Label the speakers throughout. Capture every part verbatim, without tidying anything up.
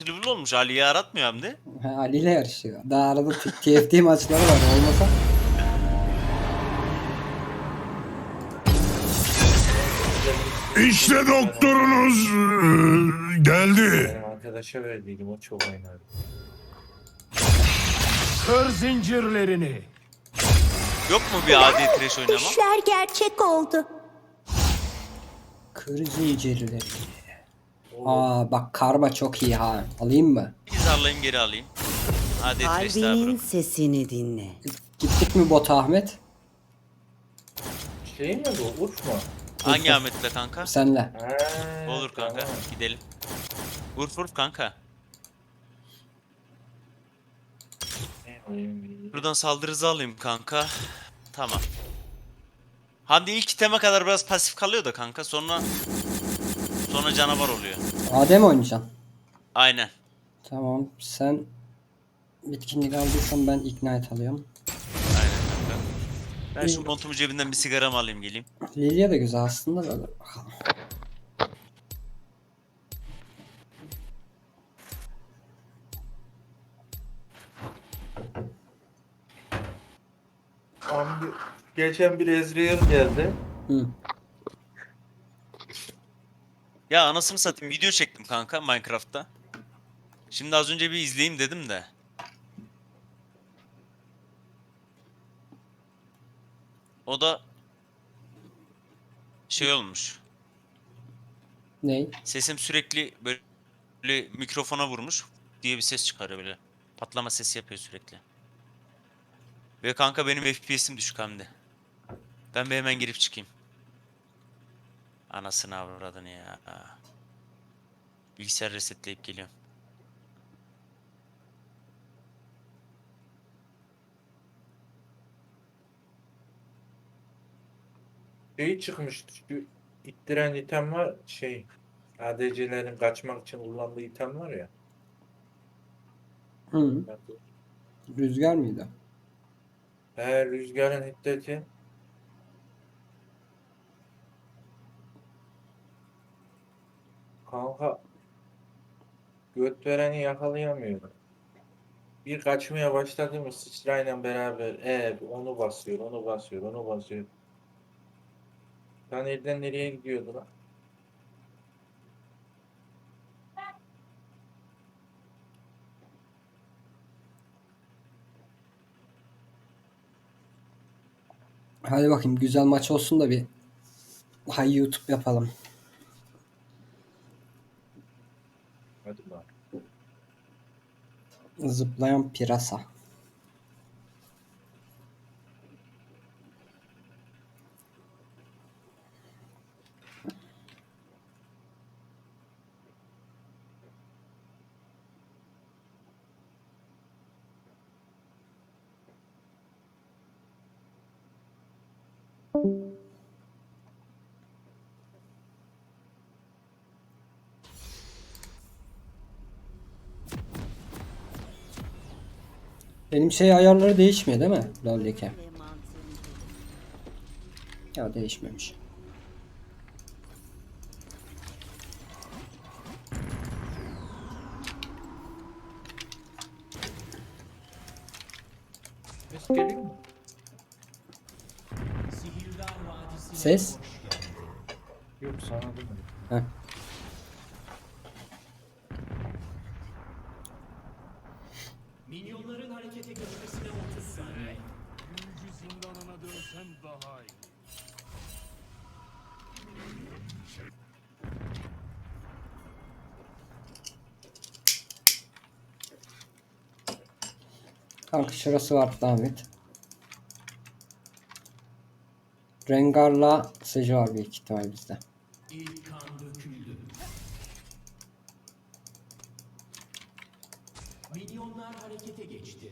Speaker 1: Dribble olmuş. Ali'yi aratmıyor hem de.
Speaker 2: Ha, Ali ile yarışıyor. Daha arada T- TFT maçları var olmasa.
Speaker 3: İşte doktorunuz eee, geldi.
Speaker 4: Benim arkadaşa verdiydim, o çok oynadı.
Speaker 3: Kır zincirlerini.
Speaker 1: Yok mu bir adi trash oynama?
Speaker 5: Düşler gerçek oldu.
Speaker 2: Kır zincirleri. Aa bak karma çok iyi ha. Alayım mı?
Speaker 1: Bir zarlayayım geri alayım. Adi trash daha
Speaker 6: Kalbinin
Speaker 1: bro.
Speaker 6: sesini dinle.
Speaker 2: Gittik mi bota Ahmet?
Speaker 4: Şey mi bu? Urf mu?
Speaker 1: Hangi Ahmet'le kanka?
Speaker 2: Senle.
Speaker 4: Ha,
Speaker 1: Olur kanka.
Speaker 4: tamam.
Speaker 1: Gidelim. Vurf vurf kanka.
Speaker 4: Ne oyun bileyim.
Speaker 1: Buradan saldırı hızı alayım kanka. Tamam. Hadi ilk iteme kadar biraz pasif kalıyor da kanka. Sonra sonra canavar oluyor.
Speaker 2: A D mi oynayacaksın?
Speaker 1: Aynen.
Speaker 2: Tamam sen bitkinlik aldıysan ben ignite alıyorum.
Speaker 1: Aynen kanka. Ben şu montumu cebinden bir sigaramı alayım geleyim.
Speaker 2: Lilia da güzel aslında da.
Speaker 4: Abi, geçen bir Ezreal geldi.
Speaker 2: Hı.
Speaker 1: Ya anasını satayım video çektim kanka Minecraft'ta. Şimdi az önce bir izleyeyim dedim de. O da şey olmuş.
Speaker 2: Ney?
Speaker 1: Sesim sürekli böyle, böyle mikrofona vurmuş diye bir ses çıkarıyor böyle. Patlama sesi yapıyor sürekli. Ve kanka benim F P S'im düşük hem de. Ben bir hemen girip çıkayım. Anasını avradını ya. Bilgisayar resetleyip geliyorum.
Speaker 4: Şey çıkmıştı. Şu ittiren item var. Şey. A D C'lerin kaçmak için kullandığı item var ya.
Speaker 2: Hı. Rüzgar mıydı?
Speaker 4: He, rüzgarın hiddeti. Kanka. Göt vereni yakalayamıyorum. Bir kaçmaya başladı mı sıçrayla beraber e, onu basıyor, onu basıyor, onu basıyor. Lan elden nereye gidiyordu lan?
Speaker 2: Hadi bakayım güzel maç olsun da bir hay YouTube yapalım.
Speaker 4: Hadi lan.
Speaker 2: Zıplayan pirasa. Benim şey ayarları değişmiyor değil mi? LoL'deki.
Speaker 6: Ve mantığını
Speaker 2: Ya değişmemiş.
Speaker 4: Ses geliyor mu?
Speaker 2: Ses?
Speaker 4: Yok sana duymadım.
Speaker 2: Heh.
Speaker 7: Minyonların harekete geçmesine otuz saniye.
Speaker 3: Büyücü zindanına dönsen daha iyi.
Speaker 2: Kanka şurası var Ahmet. Rengar'la Seju var büyük ihtimal bizde.
Speaker 7: İlk kan döküldü. Minyonlar harekete geçti.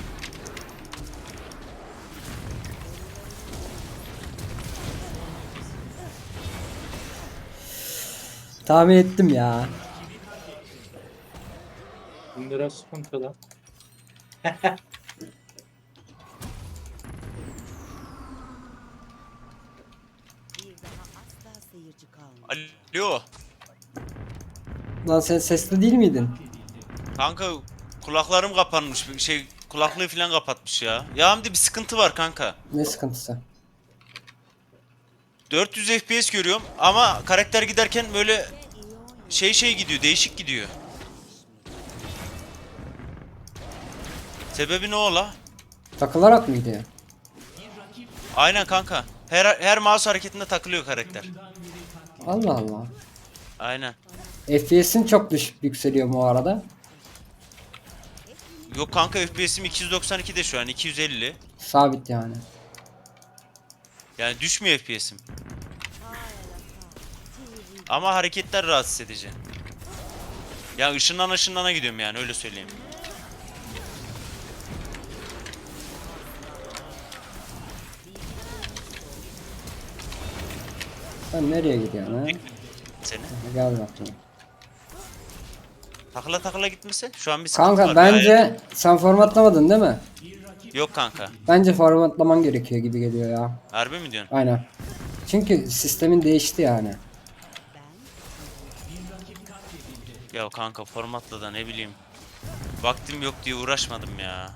Speaker 2: Tahmin ettim ya.
Speaker 4: Bunlara sıkıntı lan.
Speaker 6: bir daha asla seyirci kalmayacak.
Speaker 1: Alo.
Speaker 2: Lan sen sesli değil miydin?
Speaker 1: Kanka kulaklarım kapanmış. Bir şey kulaklığı falan kapatmış ya. Ya Hamdi bir sıkıntı var kanka.
Speaker 2: Ne sıkıntısı?
Speaker 1: dört yüz F P S görüyorum ama karakter giderken böyle şey şey gidiyor, değişik gidiyor. Sebebi ne ola?
Speaker 2: Takılarak mı gidiyor?
Speaker 1: Aynen kanka. Her her mouse hareketinde takılıyor karakter.
Speaker 2: Allah Allah.
Speaker 1: Aynen.
Speaker 2: F P S'in çok düşük yükseliyor bu arada.
Speaker 1: Yok kanka F P S'im iki yüz doksan ikide şu an iki yüz elli.
Speaker 2: Sabit yani.
Speaker 1: Yani düşmüyor F P S'im. Ama hareketler rahatsız edici. Ya ışınlan ışınlana gidiyorum yani öyle söyleyeyim.
Speaker 2: Sen nereye gidiyorsun ha?
Speaker 1: Seni.
Speaker 2: Gel bakayım.
Speaker 1: Takla takla gitmesi. Şu an bir sıkıntı
Speaker 2: Kanka
Speaker 1: var.
Speaker 2: bence
Speaker 1: Gayet-
Speaker 2: sen formatlamadın değil mi?
Speaker 1: Yok kanka.
Speaker 2: Bence formatlaman gerekiyor gibi geliyor ya.
Speaker 1: Harbi mi diyorsun?
Speaker 2: Aynen. Çünkü sistemin değişti yani.
Speaker 1: Ya kanka formatla da ne bileyim. Vaktim yok diye uğraşmadım ya.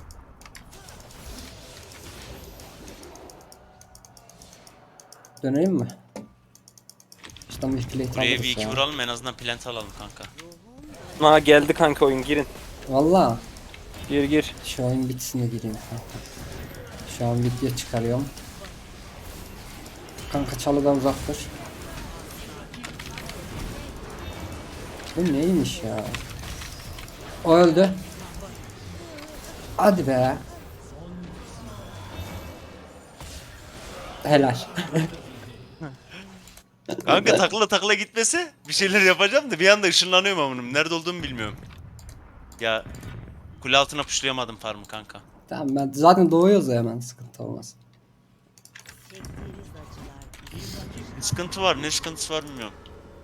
Speaker 2: Dönelim mi? İşte bu plate
Speaker 1: Buraya
Speaker 2: alırız
Speaker 1: bir iki
Speaker 2: ya.
Speaker 1: vuralım en azından plant alalım kanka.
Speaker 8: Ha geldi kanka oyun girin.
Speaker 2: Valla.
Speaker 8: Gir gir.
Speaker 2: Şu oyun bitsin de gireyim kanka. Şu an video çıkarıyorum. Kanka çalıdan uzak dur. Bu neymiş ya? O öldü. Hadi be. Helal.
Speaker 1: Kanka takla takla gitmese bir şeyler yapacağım da bir anda ışınlanıyorum amınım. Nerede olduğumu bilmiyorum. Ya kule altına puşlayamadım farmı kanka.
Speaker 2: Tamam ben zaten doğuyoruz ya hemen sıkıntı olmaz.
Speaker 6: Çektiğiniz acılar
Speaker 1: Bir sıkıntı var ne sıkıntısı var bilmiyorum.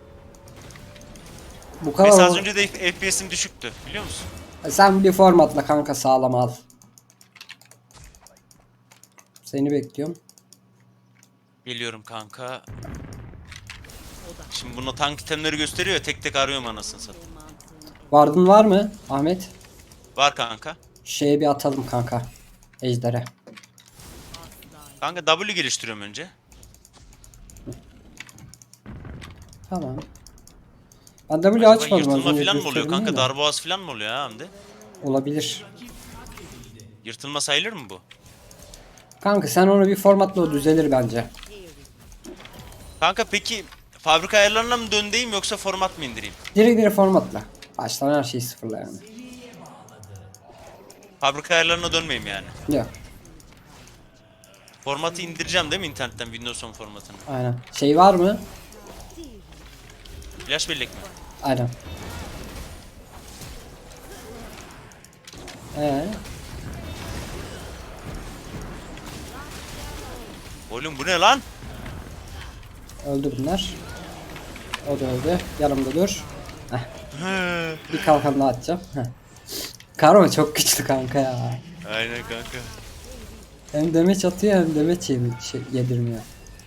Speaker 2: Bu kadar
Speaker 1: Mesela az
Speaker 2: ol-
Speaker 1: önce de F P S'im düşüktü biliyor musun?
Speaker 2: Sen bir formatla kanka sağlam al. Seni bekliyorum.
Speaker 1: Geliyorum kanka. Şimdi bunu tank itemleri gösteriyor ya tek tek arıyorum anasını satayım.
Speaker 2: Vardın var mı Ahmet?
Speaker 1: Var kanka.
Speaker 2: Şeye bir atalım kanka. Ejder'e.
Speaker 1: Kanka W geliştiriyorum önce.
Speaker 2: Tamam. Ben W
Speaker 1: Acaba
Speaker 2: açmadım az
Speaker 1: yırtılma
Speaker 2: önce
Speaker 1: falan mı oluyor
Speaker 2: gösterdim
Speaker 1: kanka?
Speaker 2: de.
Speaker 1: Darboğaz falan mı oluyor ha Hamdi?
Speaker 2: Olabilir.
Speaker 1: Yırtılma sayılır mı bu?
Speaker 2: Kanka sen onu bir formatla o düzelir bence.
Speaker 1: Kanka peki fabrika ayarlarına mı döndeyim yoksa format mı indireyim?
Speaker 2: Direkt direkt formatla. Baştan her şeyi sıfırla yani.
Speaker 1: Fabrika ayarlarına dönmeyeyim yani.
Speaker 2: Yok.
Speaker 1: Formatı indireceğim değil mi internetten Windows on formatını?
Speaker 2: Aynen. Şey var mı?
Speaker 1: Flash bellek mi?
Speaker 2: Aynen. Ee,
Speaker 1: Oğlum bu ne lan?
Speaker 2: öldü bunlar. O da öldü. Yanımda dur. Heh. Bir kalkan daha atacağım. Heh. Karma çok güçlü kanka ya.
Speaker 1: Aynen kanka.
Speaker 2: Hem demeç atıyor hem demeç yemi- şey, yedirmiyor.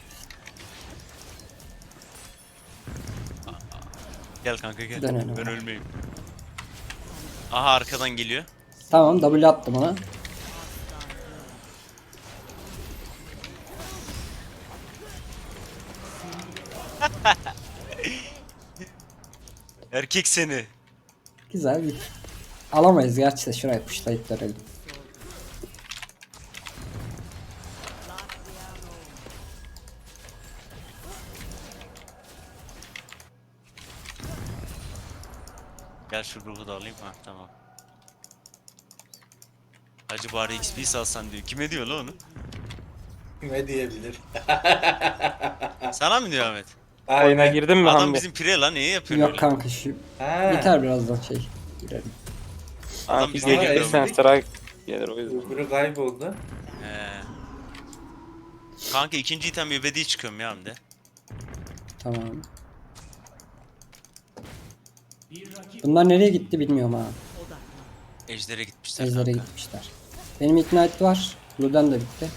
Speaker 1: Gel kanka gel.
Speaker 2: Dönelim.
Speaker 1: Ben ölmeyeyim. Aha arkadan geliyor.
Speaker 2: Tamam W attım ona.
Speaker 1: Erkek seni.
Speaker 2: Güzel bir. Alamayız gerçi de şuraya puşlayıp dönelim.
Speaker 1: Gel şu ruhu da alayım. Ha tamam. Hacı bari X P salsan diyor. Kime diyor lan onu?
Speaker 4: Ne diyebilir?
Speaker 1: Sana mı diyor Ahmet?
Speaker 8: Oyuna
Speaker 4: Aynen.
Speaker 8: girdin mi
Speaker 1: Adam
Speaker 8: Hamdi?
Speaker 1: bizim pire lan. Niye yapıyorsun
Speaker 2: Yok
Speaker 1: öyle?
Speaker 2: kanka şu
Speaker 4: Ha.
Speaker 2: biter birazdan şey. Girelim.
Speaker 1: Adam
Speaker 8: Kanka
Speaker 1: bize
Speaker 4: Ama
Speaker 8: geliyor
Speaker 1: geliyor.
Speaker 4: eski-
Speaker 8: sen sıra gelir o yüzden.
Speaker 4: Öbürü kayboldu.
Speaker 1: He. Kanka ikinci item ebedi çıkıyorum ya Hamdi.
Speaker 2: Tamam. Bunlar nereye gitti bilmiyorum ha.
Speaker 1: Ejder'e gitmişler
Speaker 2: Ejder'e
Speaker 1: kanka.
Speaker 2: gitmişler. Benim Ignite var. Luden de bitti.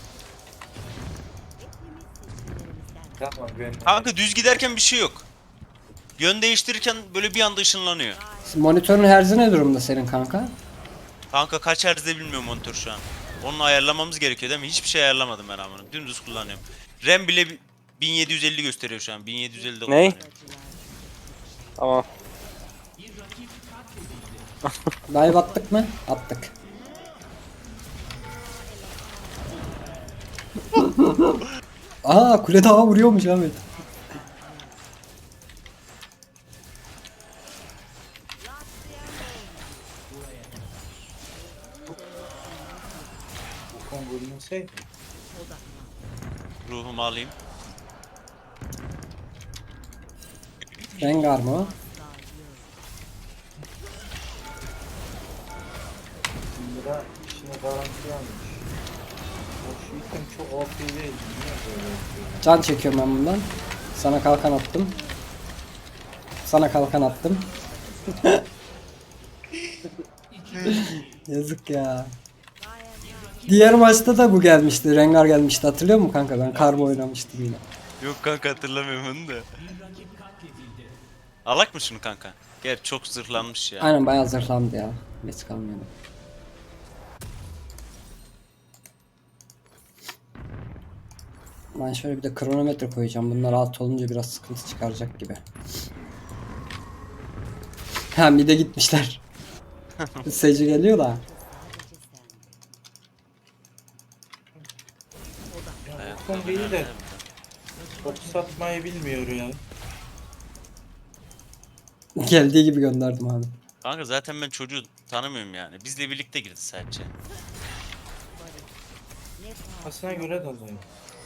Speaker 4: Tamam ben.
Speaker 1: Kanka düz giderken bir şey yok. Yön değiştirirken böyle bir anda ışınlanıyor.
Speaker 2: Monitörün herzi ne durumda senin kanka?
Speaker 1: Kanka kaç hertzde bilmiyorum monitör şu an. Onu ayarlamamız gerekiyor değil mi? Hiçbir şey ayarlamadım ben amına. Dümdüz kullanıyorum. RAM bile bi- bin yedi yüz elli gösteriyor şu an. bin yedi yüz ellide
Speaker 8: Ney?
Speaker 1: kullanıyorum.
Speaker 8: Tamam.
Speaker 2: Dive attık mı? Attık. Aa kule daha vuruyormuş Ahmet.
Speaker 4: Bu konu bölünseydi.
Speaker 1: Ruhumu alayım.
Speaker 2: Rengar mı o?
Speaker 4: Lira işini garantiye almış. O şu item çok O P değil. Niye böyle yapıyor?
Speaker 2: Can çekiyorum ben bundan. Sana kalkan attım. Sana kalkan attım. Yazık ya. Diğer maçta da bu gelmişti. Rengar gelmişti. Hatırlıyor musun kanka? Ben karbo oynamıştım yine.
Speaker 1: Yok kanka hatırlamıyorum onu da. Alak mı şunu kanka? Gel çok zırhlanmış ya.
Speaker 2: Aynen bayağı zırhlandı ya. Geç kalmıyordu. Ben şöyle bir de kronometre koyacağım. Bunlar alt olunca biraz sıkıntı çıkaracak gibi. Ha bir de gitmişler. Seyirci geliyor da.
Speaker 1: Ayakta
Speaker 4: Son biri de
Speaker 1: nerede?
Speaker 4: top satmayı bilmiyor ya.
Speaker 2: Geldiği gibi gönderdim abi.
Speaker 1: Kanka zaten ben çocuğu tanımıyorum yani. Bizle birlikte girdi sadece.
Speaker 4: Aslına göre de oluyor.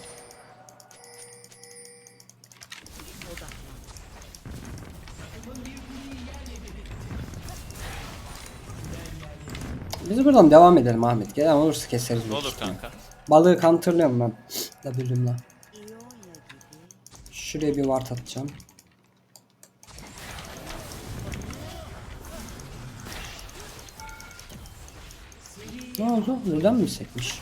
Speaker 2: Biz buradan devam edelim Ahmet. Gelen olursa keseriz.
Speaker 1: Ne
Speaker 2: büyük
Speaker 1: olur
Speaker 2: ihtimal.
Speaker 1: kanka.
Speaker 2: Balığı counterlıyorum ben. W'mle. Şuraya bir ward atacağım. Ne oldu? Buradan mı sekmiş?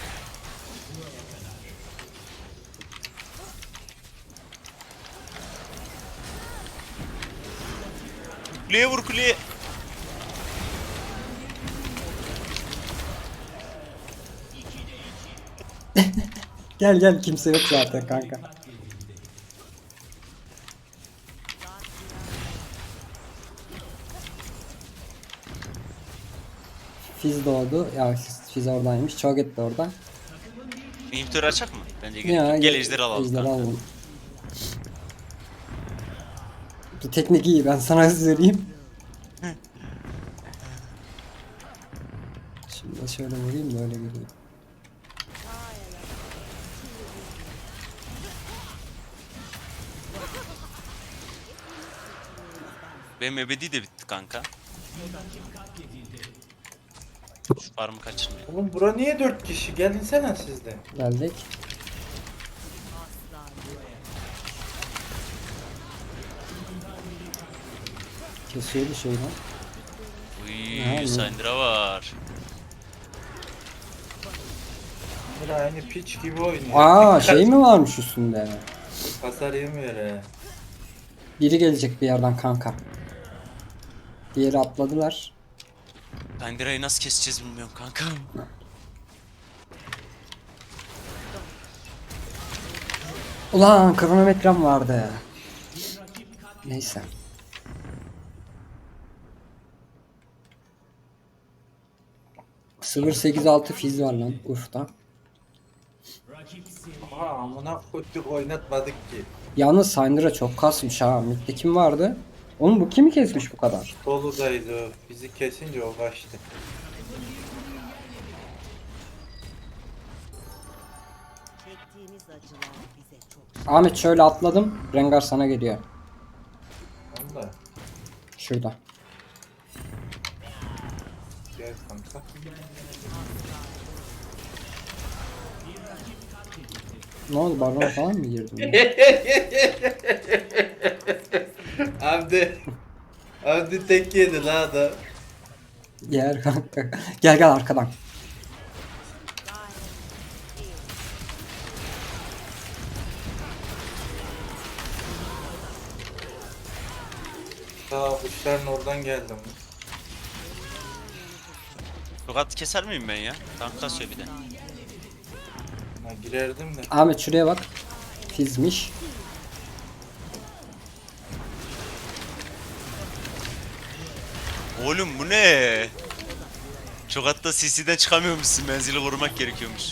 Speaker 1: Kuleye vur kuleye.
Speaker 2: Gel gel kimse yok zaten kanka. Fiz doğdu. Ya Fiz, Fiz oradaymış. Cho'Gath de orada.
Speaker 1: İnhibitörü açak mı? Bence gerek
Speaker 2: Ya,
Speaker 1: yok. Gel ejderi alalım.
Speaker 2: ejderi
Speaker 1: kanka.
Speaker 2: alalım. Bu teknik iyi ben sana söyleyeyim. Şimdi şöyle vurayım da öyle geliyor.
Speaker 1: Benim ebedi de bitti kanka. Şu farmı kaçırmayayım.
Speaker 4: Oğlum bura niye dört kişi? Gelinsene siz de.
Speaker 2: Geldik. Kesiyordu şeyden.
Speaker 1: Uy,
Speaker 2: Ya,
Speaker 1: Syndra var.
Speaker 4: Bura aynı piç gibi oynuyor.
Speaker 2: Aa şey mi varmış üstünde?
Speaker 4: Hasar yemiyor he.
Speaker 2: Biri gelecek bir yerden kanka. Diğeri atladılar.
Speaker 1: Syndra'yı nasıl keseceğiz bilmiyorum kanka.
Speaker 2: Ulan kronometrem vardı. Neyse. sıfır sekiz altı fiz var lan Urf'ta.
Speaker 4: Aha amına koyduk oynatmadık ki.
Speaker 2: Yalnız Syndra çok kasmış ha. Mid'de kim vardı? Oğlum bu kimi kesmiş bu kadar?
Speaker 4: Doludaydı o. Bizi kesince o kaçtı.
Speaker 6: Çektiğimiz acılar bize çok
Speaker 2: Ahmet şöyle atladım. Rengar sana geliyor.
Speaker 4: Valla.
Speaker 2: Şurada.
Speaker 4: Gel kanka.
Speaker 2: Ne oldu baron falan mı girdin?
Speaker 4: Abdi. Abdi tek yedi la adam.
Speaker 2: Yer kanka. Gel gel arkadan.
Speaker 4: Daha kuşların oradan geldim.
Speaker 1: Tokat keser miyim ben ya? Tank kasıyor bir de.
Speaker 4: Ha, girerdim de.
Speaker 2: Ahmet şuraya bak. Fizmiş.
Speaker 1: Oğlum bu ne? Çok hatta C C'den çıkamıyormuşsun. Menzili korumak gerekiyormuş.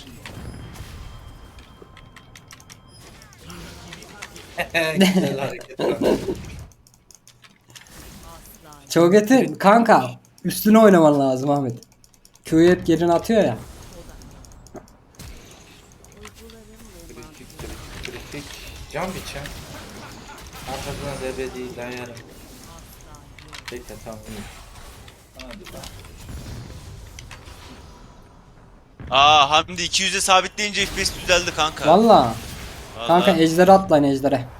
Speaker 4: Güzel hareket.
Speaker 2: Çoget'in kanka üstüne oynaman lazım Ahmet. Q'yu hep gerine atıyor ya.
Speaker 4: Kritik kritik kritik. Can biçem. Arkasına debe değil dayarım. Bekle tamam iyi. Hadi lan.
Speaker 1: Aa Hamdi iki yüze sabitleyince F P S düzeldi kanka.
Speaker 2: Valla.
Speaker 1: Vallahi.
Speaker 2: Kanka ejderi atlayın ejdere.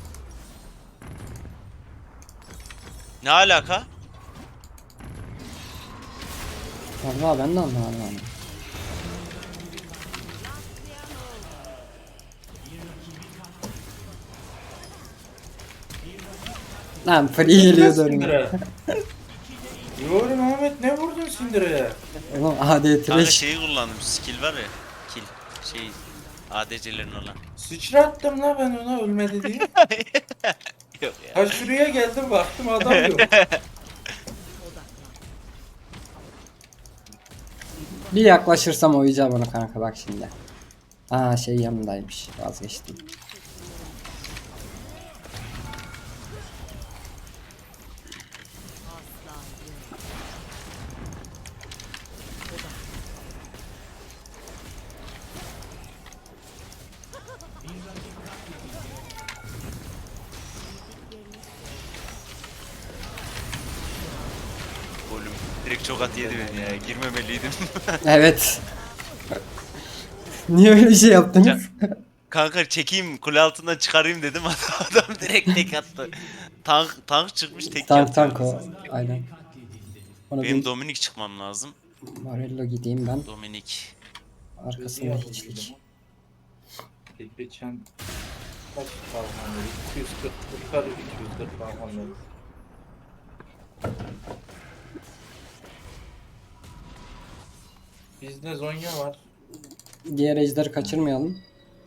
Speaker 1: Ne alaka?
Speaker 2: Valla ben de anlamadım yani. Lan free geliyor önüme.
Speaker 4: Sindire. Yorum Ahmet ne vurdun Sindire'ye?
Speaker 2: Oğlum A D
Speaker 1: Kanka
Speaker 2: trash.
Speaker 1: şeyi kullandım. Skill var ya. Kill. Şey A D C'lerin olan.
Speaker 4: Sıçrattım la ben ona ölmedi diye.
Speaker 1: Yok ya.
Speaker 4: Ha şuraya geldim baktım adam yok.
Speaker 2: Bir yaklaşırsam oyacağım onu kanka bak şimdi. Aa şey yanındaymış vazgeçtim.
Speaker 1: Oğlum direkt çok at yedi beni ya. Girmemeliydim.
Speaker 2: Evet. Niye öyle bir şey yaptınız?
Speaker 1: Kanka çekeyim kule altından çıkarayım dedim. Adam direkt tek attı. Tank tank çıkmış tek
Speaker 2: Tank
Speaker 1: yaptı.
Speaker 2: tank o. Aynen. Onu
Speaker 1: Benim
Speaker 2: bir
Speaker 1: Dominik çıkmam lazım.
Speaker 2: Morello gideyim ben.
Speaker 1: Dominik.
Speaker 2: Arkasında hiçlik.
Speaker 4: Geçen kaç kalmanları? iki yüz kırk yukarı iki yüz kırk kalmanları. Bizde Zonya var.
Speaker 2: Diğer ejderi kaçırmayalım.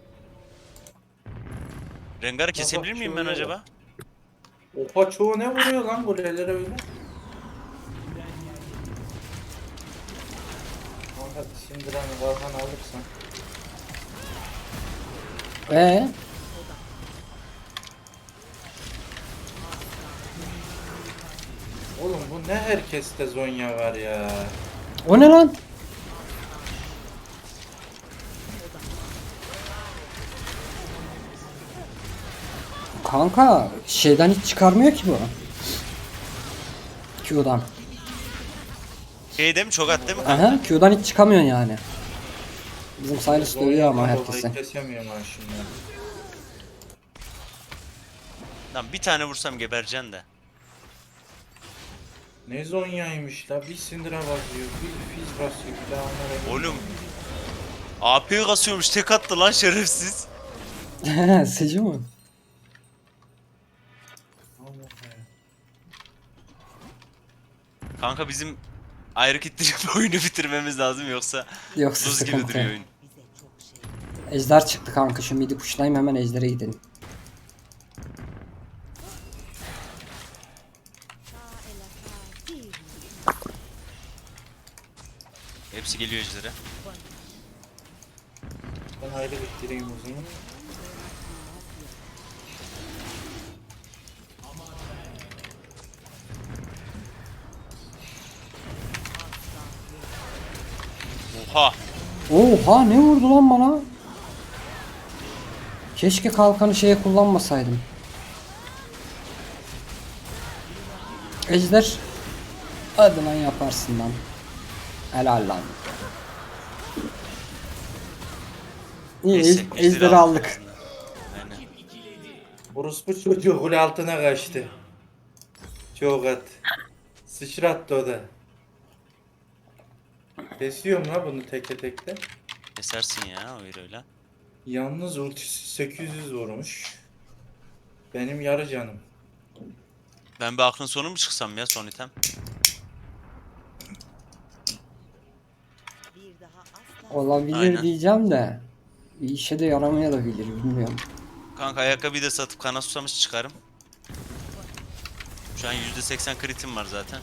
Speaker 1: Rengar'ı kesebilir miyim ben
Speaker 4: şöyle
Speaker 1: acaba?
Speaker 4: Oha çoğu ne vuruyor lan bu lelere öyle? Hadi Sindiran'ı Valhan alırsan.
Speaker 2: Ee,
Speaker 4: Oğlum bu ne herkeste Zonya var ya.
Speaker 2: o ne lan? Kanka şeyden hiç çıkarmıyor ki bu. Q'dan.
Speaker 1: Şeyde mi çok at değil mi?
Speaker 2: Aha Q'dan hiç çıkamıyorsun yani. Bizim Silas
Speaker 4: Zonya'dan
Speaker 2: dövüyor ama
Speaker 4: dolayı
Speaker 2: herkese.
Speaker 4: Kesemiyorum ha şimdi.
Speaker 1: Lan bir tane vursam gebereceksin de.
Speaker 4: Ne Zonya'ymış la bir Sindira basıyor, bir Fizz basıyor, bir daha onlara...
Speaker 1: Oğlum. A P'yi kasıyormuş tek attı lan şerefsiz.
Speaker 2: Sıcı mı?
Speaker 1: Kanka bizim ayrı kittirip oyunu bitirmemiz lazım yoksa
Speaker 2: Yoksa
Speaker 1: buz gibi
Speaker 2: sıkıntı.
Speaker 1: duruyor oyun.
Speaker 6: Bize çok şey.
Speaker 2: Ejder çıktı kanka şu midi kuşlayayım hemen ejdere gidelim.
Speaker 1: Hepsi geliyor ejdere.
Speaker 4: Ben ayrı bitireyim o zaman.
Speaker 1: Oha.
Speaker 2: Oha ne vurdu lan bana? Keşke kalkanı şeye kullanmasaydım. Ejder. Hadi lan yaparsın lan. Helal lan. İyi
Speaker 1: Neyse,
Speaker 2: ej-
Speaker 1: ejderi
Speaker 2: ejderi aldık.
Speaker 1: Aynen.
Speaker 4: Orospu çocuğu kule altına kaçtı. Çok at. Sıçrattı o da. Kesiyorum la bunu tekte tekte.
Speaker 1: Kesersin ya öyle öyle.
Speaker 4: Yalnız ultisi sekiz yüz vurmuş. Benim yarı canım.
Speaker 1: Ben bir aklın sonu mu çıksam ya son item?
Speaker 6: Bir daha asla
Speaker 2: Olabilir
Speaker 1: Aynen.
Speaker 2: diyeceğim de. Bir işe de yaramayabilir bilmiyorum.
Speaker 1: Kanka ayakkabıyı da satıp kana susamış çıkarım. Şu an yüzde seksen kritim var zaten.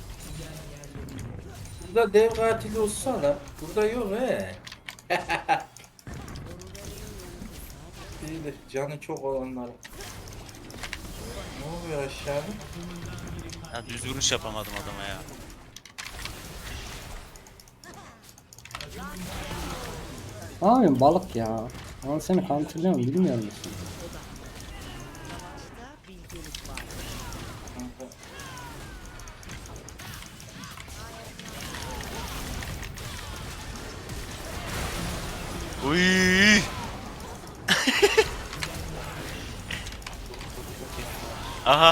Speaker 4: Burada dev katili olsa da burada yok he. İyidir canı çok olanlar. Ne oluyor aşağıda?
Speaker 1: Ya düz vuruş yapamadım adama ya.
Speaker 2: Ne yapayım balık ya. Ben seni counterlıyorum bilmiyor musun?
Speaker 6: savaşta bilgelik var.
Speaker 4: Kanka,
Speaker 1: Uy. Aha.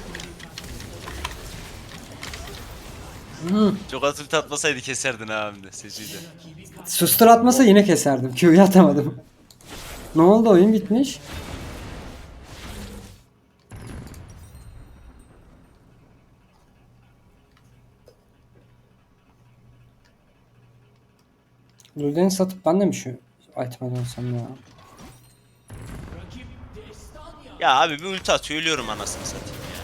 Speaker 2: Hı.
Speaker 1: Çok az ulti atmasaydı keserdin ha hem de Seci'yi de.
Speaker 2: Sustur atmasa yine keserdim. Q'yu atamadım. Ne oldu oyun bitmiş? Lulden'i satıp ben de mi şu item'e dönsem ya?
Speaker 1: Ya abi bir ulti atıyor ölüyorum anasını satayım ya.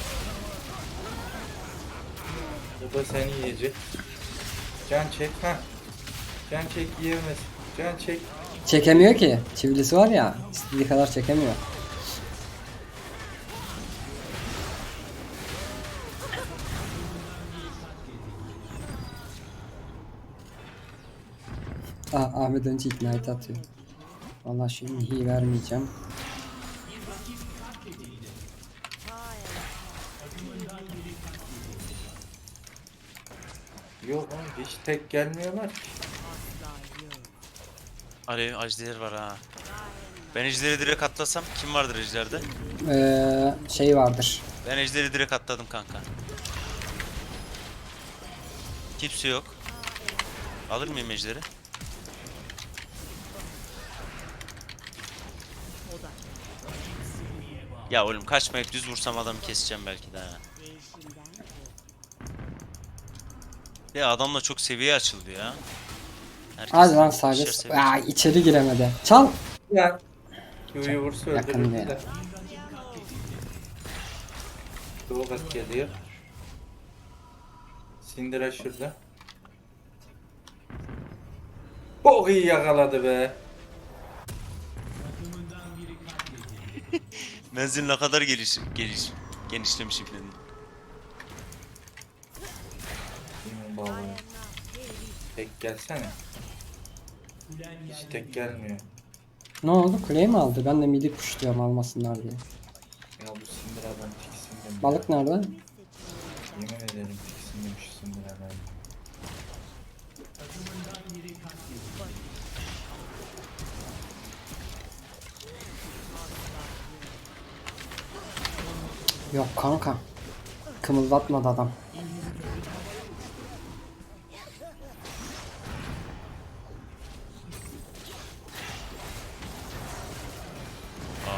Speaker 4: bu da seni yiyecek. Can çek ha. Can çek yiyemez. Can çek.
Speaker 2: Çekemiyor ki. Çivilisi var ya. İstediği kadar çekemiyor. Ah, Ahmet önce ignite atıyor. Vallahi şu inhiyi vermeyeceğim.
Speaker 4: Yok oğlum hiç tek gelmiyorlar ki.
Speaker 1: Alev ajder var ha. Ben ejderi direkt atlasam kim vardır ejderde?
Speaker 2: Ee, şey vardır.
Speaker 1: Ben ejderi direkt atladım kanka. Kimse yok. Alır mıyım ejderi? Ya oğlum kaçmayıp düz vursam adamı keseceğim belki de ha.
Speaker 6: Değişimden
Speaker 1: Ya adamla çok seviye açıldı ya. Herkes
Speaker 2: Hadi lan
Speaker 1: ikişer
Speaker 2: sadece.
Speaker 1: seviye.
Speaker 2: Aa, içeri giremedi. Çal.
Speaker 4: Ya. Q'yu vursa
Speaker 2: Yakın
Speaker 4: öldürürdüler.
Speaker 2: ya.
Speaker 4: Doğukat geliyor. Sindira şurada. Çok iyi yakaladı be.
Speaker 1: Menzil ne kadar geliş, geliş, genişlemişim dedim.
Speaker 4: Yemin bağlı. Tek gelsene. Hiç tek gelmiyor.
Speaker 2: Ne oldu? Kuleyi mi aldı? Ben de midi pushluyorum almasınlar diye.
Speaker 4: Ya bu Sindira'dan tiksindim.
Speaker 2: Balık nerede?
Speaker 4: Yemin ederim tiksindim şu Sindira'dan.
Speaker 2: Yok kanka. Kımıldatmadı adam.
Speaker 1: Aa.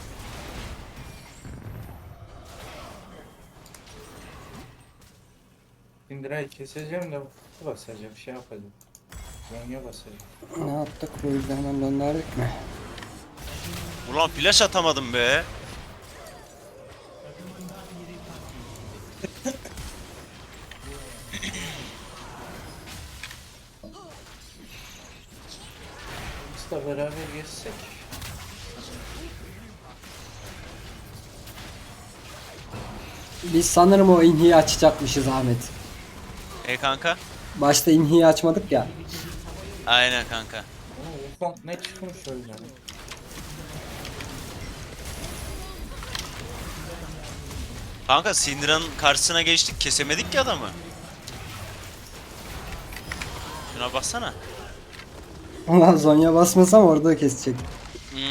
Speaker 4: Sindira'yı keseceğim de basacağım şey yapacağım. Zonya basacağım.
Speaker 2: Ne yaptık? Bu yüzden hemen döndürdük mü?
Speaker 1: Ulan flash atamadım be.
Speaker 4: Biz de beraber geçsek.
Speaker 2: Biz sanırım o inhiyi açacakmışız Ahmet.
Speaker 1: E kanka?
Speaker 2: Başta inhiyi açmadık ya.
Speaker 1: Aynen kanka.
Speaker 4: Oo, ufak ne çıkmış öyle.
Speaker 1: Kanka Syndra'nın karşısına geçtik kesemedik ki adamı. Şuna baksana.
Speaker 2: Ulan Zonya basmasam orada kesecek.